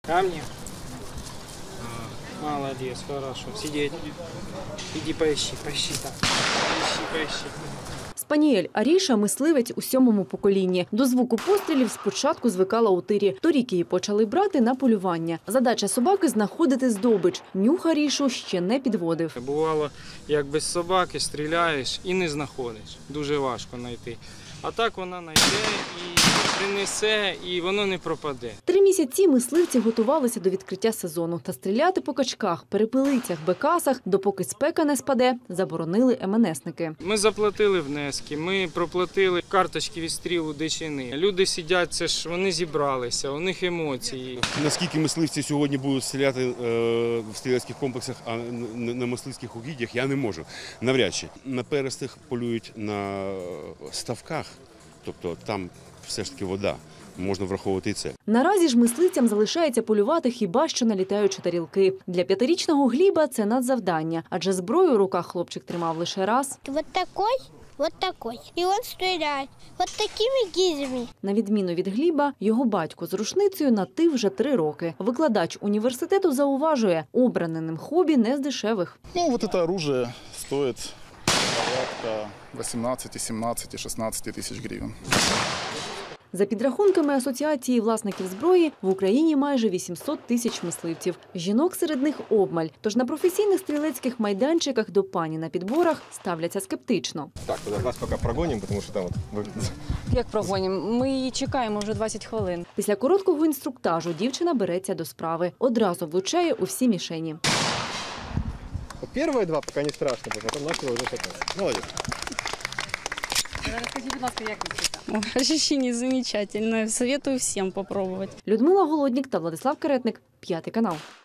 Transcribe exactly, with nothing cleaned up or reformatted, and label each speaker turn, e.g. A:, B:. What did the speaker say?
A: Камни? Молодец, хорошо. Сидеть. Иди поищи, поищи там. Поищи, поищи.
B: Спаніель Аріша – мисливець у сьомому поколінні. До звуку пострілів спочатку звикала у тирі. Торік її почали брати на полювання. Задача собаки – знаходити здобич. Нюх Арішу ще не підводив.
A: Бувало, як без собаки стріляєш і не знаходиш. Дуже важко знайти. А так вона знайде і принесе, і воно не пропаде.
B: Три місяці мисливці готувалися до відкриття сезону. Та стріляти по качках, перепелицях, бекасах, допоки спека не спаде, заборонили ем ен есники.
A: Ми заплатили внески, ми проплатили карточки відстрілу дичини. Люди сидять, це ж вони зібралися, у них емоції.
C: Наскільки мисливці сьогодні будуть стріляти в стрілецьких комплексах, а на мисливських угіддях, я не можу. Навряд чи. На перестих полюють на ставках, тобто там все ж таки вода. Можна враховувати і це.
B: Наразі ж мисливцям залишається полювати хіба що на літаючі тарілки. Для п'ятирічного Гліба це надзавдання, адже зброю у руках хлопчик тримав лише раз.
D: Вот такой, вот такой. І він стріляє. Вот такими гільзами.
B: На відміну від Гліба, його батько з рушницею на «ти» вже три роки. Викладач університету зауважує, обране ним хобі не з дешевих.
E: Ну, вот это оружие стоит порядка восемнадцати, сімнадцяти, шістнадцяти тисяч гривень.
B: За підрахунками Асоціації власників зброї, в Україні майже вісімсот тисяч мисливців. Жінок серед них обмаль. Тож на професійних стрілецьких майданчиках до пані на підборах ставляться скептично.
F: Так, вас поки прогонимо, тому що там от...
G: Як прогонимо? Ми її чекаємо вже двадцять хвилин.
B: Після короткого інструктажу дівчина береться до справи. Одразу влучає у всі мішені.
F: Перші два поки не страшно, потім почали вже шататися. Молодець.
G: Розкажіть, будь ласка, як ви це? Ощущение замечательное. Советую всем попробовать.
B: Людмила Голоднік та Владислав Каретник. П'ятий канал.